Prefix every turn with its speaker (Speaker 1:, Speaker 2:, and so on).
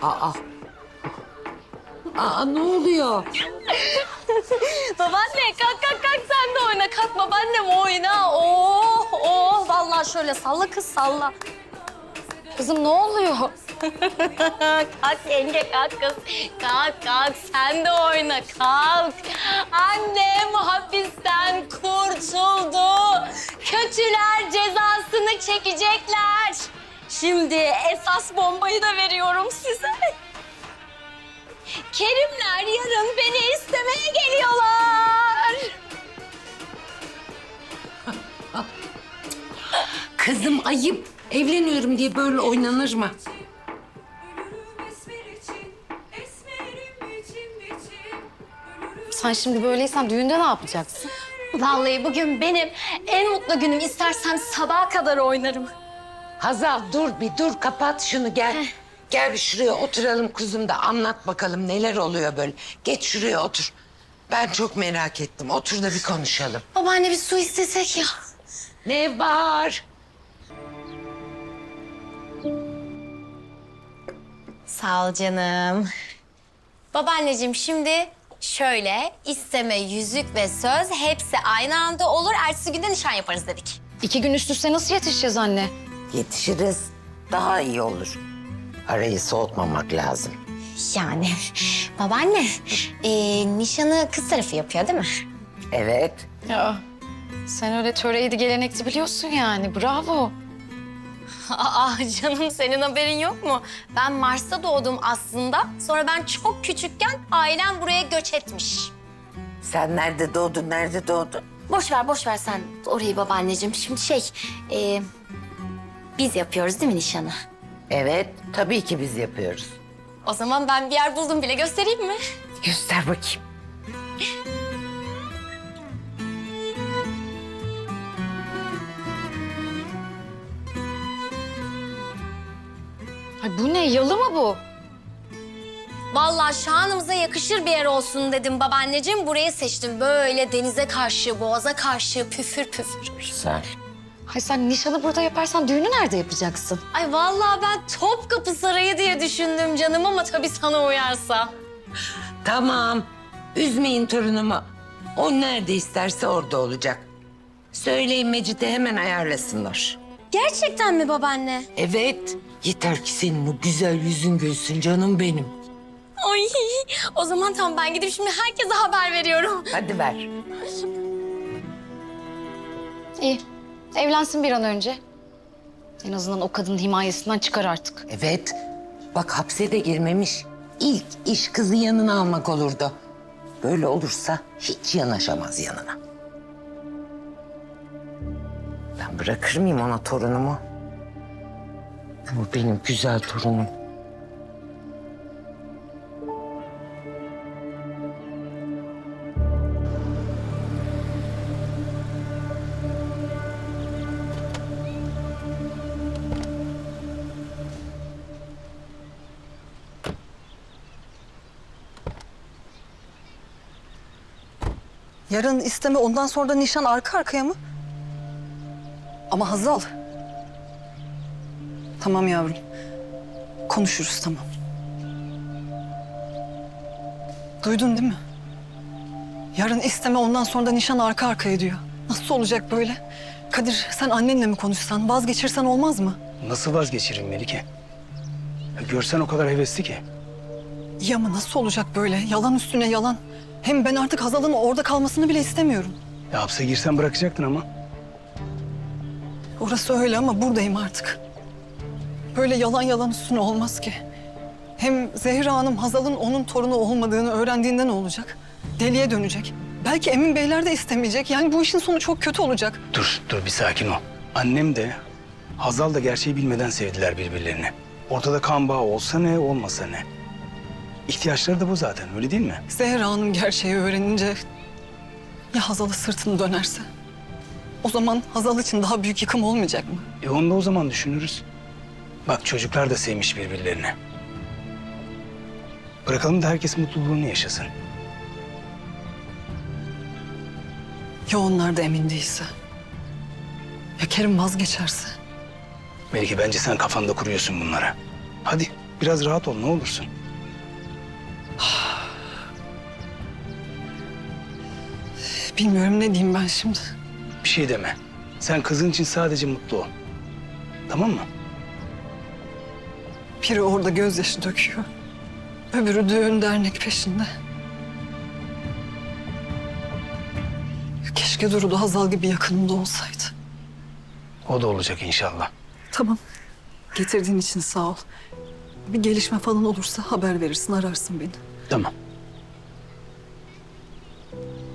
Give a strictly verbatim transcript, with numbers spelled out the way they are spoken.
Speaker 1: Aa. Aa ne oluyor?
Speaker 2: Babaanne kalk kalk kalk sen de oyna. Kalk babaannem oyna. Oh oh. Vallahi şöyle salla kız salla. Kızım ne oluyor? Kalk yenge kalk kız. Kalk kalk sen de oyna kalk. Annem hapisten kurtuldu. Kötüler cezasını çekecekler. Şimdi esas bombayı da veriyorum size. Kerimler yarın beni istemeye geliyorlar.
Speaker 1: Kızım ayıp. Evleniyorum diye böyle oynanır mı?
Speaker 3: Sen şimdi böyleysen düğünde ne yapacaksın?
Speaker 2: Vallahi bugün benim en mutlu günüm. İstersem sabaha kadar oynarım.
Speaker 1: Hazal dur bir dur kapat şunu gel. Gel bir şuraya oturalım kuzum da anlat bakalım neler oluyor böyle. Geç şuraya otur. Ben çok merak ettim. Otur da bir konuşalım.
Speaker 2: Babaanne bir su istesek ya.
Speaker 1: Ne var?
Speaker 2: Sağ ol canım. Babaanneciğim şimdi şöyle isteme, yüzük ve söz hepsi aynı anda olur. Ertesi günde nişan yaparız dedik.
Speaker 3: İki gün üst üste nasıl yetişeceğiz anne?
Speaker 1: Yetişiriz. Daha iyi olur. Arayı soğutmamak lazım.
Speaker 2: Yani babaanne e, nişanı kız tarafı yapıyor değil mi?
Speaker 1: Evet.
Speaker 3: Ya sen öyle töreydi gelenekti biliyorsun yani. Bravo.
Speaker 2: Aa canım senin haberin yok mu? Ben Mars'ta doğdum aslında. Sonra ben çok küçükken ailem buraya göç etmiş.
Speaker 1: Sen nerede doğdun, nerede doğdun?
Speaker 2: Boş ver boş ver sen orayı babaanneciğim. Şimdi şey e, biz yapıyoruz değil mi nişanı?
Speaker 1: Evet, tabii ki biz yapıyoruz.
Speaker 2: O zaman ben bir yer buldum bile göstereyim mi?
Speaker 1: Göster bakayım.
Speaker 3: Ay bu ne? Yalı mı bu?
Speaker 2: Vallahi şanımıza yakışır bir yer olsun dedim babaanneciğim. Burayı seçtim böyle denize karşı, boğaza karşı püfür püfür.
Speaker 1: Güzel.
Speaker 3: Hay sen nişanı burada yaparsan düğünü nerede yapacaksın?
Speaker 2: Ay vallahi ben Topkapı Sarayı diye düşündüm canım ama tabii sana uyarsa.
Speaker 1: Tamam. Üzmeyin torunumu. O nerede isterse orada olacak. Söyleyin Mecit'e hemen ayarlasınlar.
Speaker 2: Gerçekten mi babaanne?
Speaker 1: Evet. Yeter ki senin o güzel yüzün gülsün canım benim.
Speaker 2: Ay o zaman tamam ben gidip şimdi herkese haber veriyorum.
Speaker 1: Hadi ver.
Speaker 3: İyi. Evlensin bir an önce. En azından o kadının himayesinden çıkar artık.
Speaker 1: Evet. Bak hapse de girmemiş. İlk iş kızı yanına almak olurdu. Böyle olursa hiç yanaşamaz yanına. Ben bırakır mıyım ona torunumu? Bu benim güzel torunum.
Speaker 4: Yarın isteme, ondan sonra da nişan arka arkaya mı? Ama Hazal. Tamam yavrum. Konuşuruz tamam. Duydun değil mi? Yarın isteme, ondan sonra da nişan arka arkaya diyor. Nasıl olacak böyle? Kadir sen annenle mi konuşsan, vazgeçirsen olmaz mı?
Speaker 5: Nasıl vazgeçiririm Melike? Ya görsen o kadar hevesli ki.
Speaker 4: Ya ama nasıl olacak böyle? Yalan üstüne yalan. Hem ben artık Hazal'ın orada kalmasını bile istemiyorum.
Speaker 5: Ya hapse girsen bırakacaktın ama.
Speaker 4: Orası öyle ama buradayım artık. Böyle yalan yalan üstüne olmaz ki. Hem Zehra Hanım Hazal'ın onun torunu olmadığını öğrendiğinde ne olacak? Deliye dönecek. Belki Emin Beyler de istemeyecek. Yani bu işin sonu çok kötü olacak.
Speaker 5: Dur, dur bir sakin ol. Annem de, Hazal da gerçeği bilmeden sevdiler birbirlerini. Ortada kan bağı olsa ne, olmasa ne. İhtiyaçları da bu zaten, öyle değil mi?
Speaker 4: Zehra Hanım gerçeği öğrenince ya Hazal'a sırtını dönerse? O zaman Hazal için daha büyük yıkım olmayacak mı?
Speaker 5: E onu da o zaman düşünürüz. Bak çocuklar da sevmiş birbirlerini. Bırakalım da herkes mutluluğunu yaşasın.
Speaker 4: Ya onlar da emin değilse? Ya Kerim vazgeçerse?
Speaker 5: Melike bence sen kafanda kuruyorsun bunlara. Hadi Biraz rahat ol ne olursun.
Speaker 4: Bilmiyorum ne diyeyim ben şimdi.
Speaker 5: Bir şey deme. Sen kızın için sadece mutlu ol. Tamam mı?
Speaker 4: Biri orada gözyaşı döküyor. Öbürü düğün dernek peşinde. Keşke Duru da Hazal gibi yakınımda olsaydı.
Speaker 5: O da olacak inşallah.
Speaker 4: Tamam. Getirdiğin için sağ ol. Bir gelişme falan olursa haber verirsin, ararsın beni.
Speaker 5: Tamam.